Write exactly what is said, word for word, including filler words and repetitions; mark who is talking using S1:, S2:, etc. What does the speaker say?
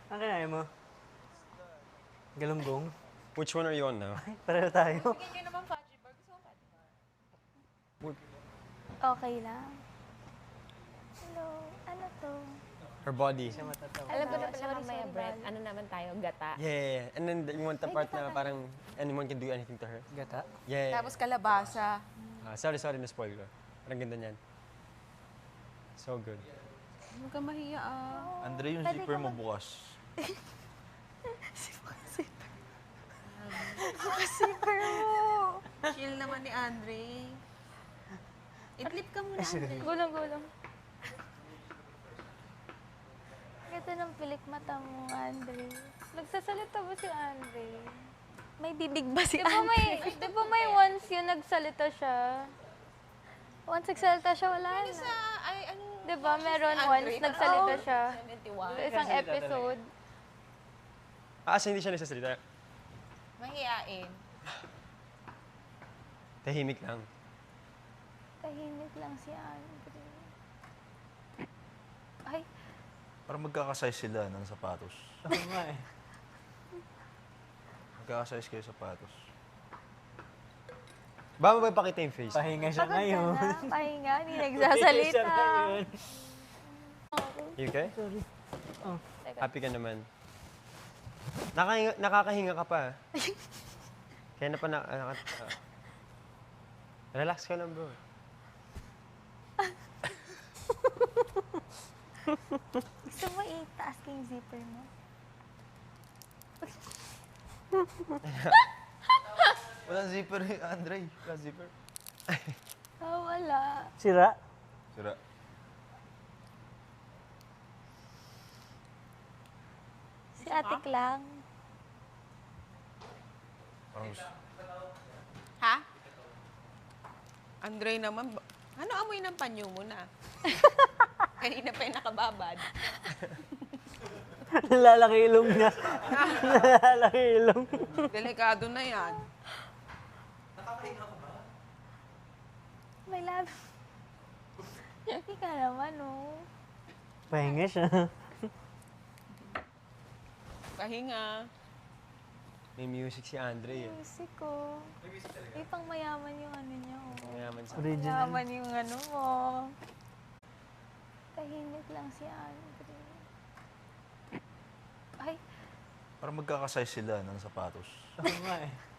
S1: Ang kinain mo? Galunggong?
S2: Which one are you on now?
S1: Ay, pareho tayo.
S3: Bigyan nyo naman fudgy bar. Gusto mo fudgy bar?
S4: Okay lang. Hello, ano to?
S2: Her body.
S1: Siya matatawa.
S3: Alam ko na
S4: Sorry,
S3: pala
S4: sorry,
S3: mamaya,
S4: sorry,
S3: Brett.
S4: Val.
S3: Ano naman tayo? Gata.
S2: Yeah, yeah, yeah. And then you want the part na parang anyone can do anything to her.
S1: Gata?
S2: Yeah, yeah.
S3: Tapos kalabasa.
S2: Ah, sorry, sorry, na-spoil ko. Parang ganda niyan. So good.
S3: Huwag ka mahiya ah.
S5: Andre, yung
S4: Pwede
S5: zipper
S4: ka
S5: mo
S4: mag-
S5: bukas.
S4: Super mo!
S3: Chill naman ni Andre. Idlip ka muna, Andre.
S4: Gulong-gulong. Ito ng pilik mata mo, Andre.
S6: Nagsasalita ba si Andre?
S4: May bibig ba si
S6: Di ba
S4: Andre?
S6: may, di ba may once yun nagsalita siya?
S4: Once nagsalita siya, wala na.
S3: Sa, ay, ano?
S6: Di ba meron
S3: si
S6: once
S3: Andre?
S6: nagsalita
S3: Oo.
S6: siya?
S3: seventy-one.
S6: Sa isang episode.
S2: Ah, kasi hindi siya nagsasalita.
S3: Mahiyain.
S2: Tahimik lang.
S4: Tahimik lang si Andre. Ay,
S5: Parang magkakasize sila ng sapatos.
S1: Oo nga eh.
S5: Magkakasize kayo sapatos.
S2: Ba mo ba ipakita yung face?
S1: Pahinga siya
S4: pagod ka
S1: ngayon.
S4: na. Pahinga, hindi
S1: Pahinga
S4: nagsasalita.
S1: siya ngayon.
S2: You okay?
S1: Sorry. Oh.
S2: Happy ka naman. Nakahinga, nakakahinga ka pa. Kaya na pa na... ah, ah. Relax ka lang, bro.
S4: Gusto mo itaas ko yung zipper mo?
S5: Walang zipper eh, Andre. Walang zipper.
S4: Oh, wala.
S1: Sira?
S5: Sira.
S4: Si Atik lang.
S5: Parang
S3: Ha? Andre naman, ba- ano amoy ng panyo mo na? Kanina pa yung nakababad.
S1: Lalaki ilong niya. Lalaki ilong.
S3: Delikado na yan.
S4: May love. Hindi ka naman, oh.
S1: Pahinga siya.
S3: Pahinga.
S2: May music si Andre eh.
S4: Music ko. May pang mayaman yung ano niya, oh.
S2: Mayaman sa...
S1: Original.
S4: Mayaman yung ano mo. Tahimik lang si Andre. Ay,
S5: Parang magkakasize sila ng sapatos.
S1: Oo nga eh.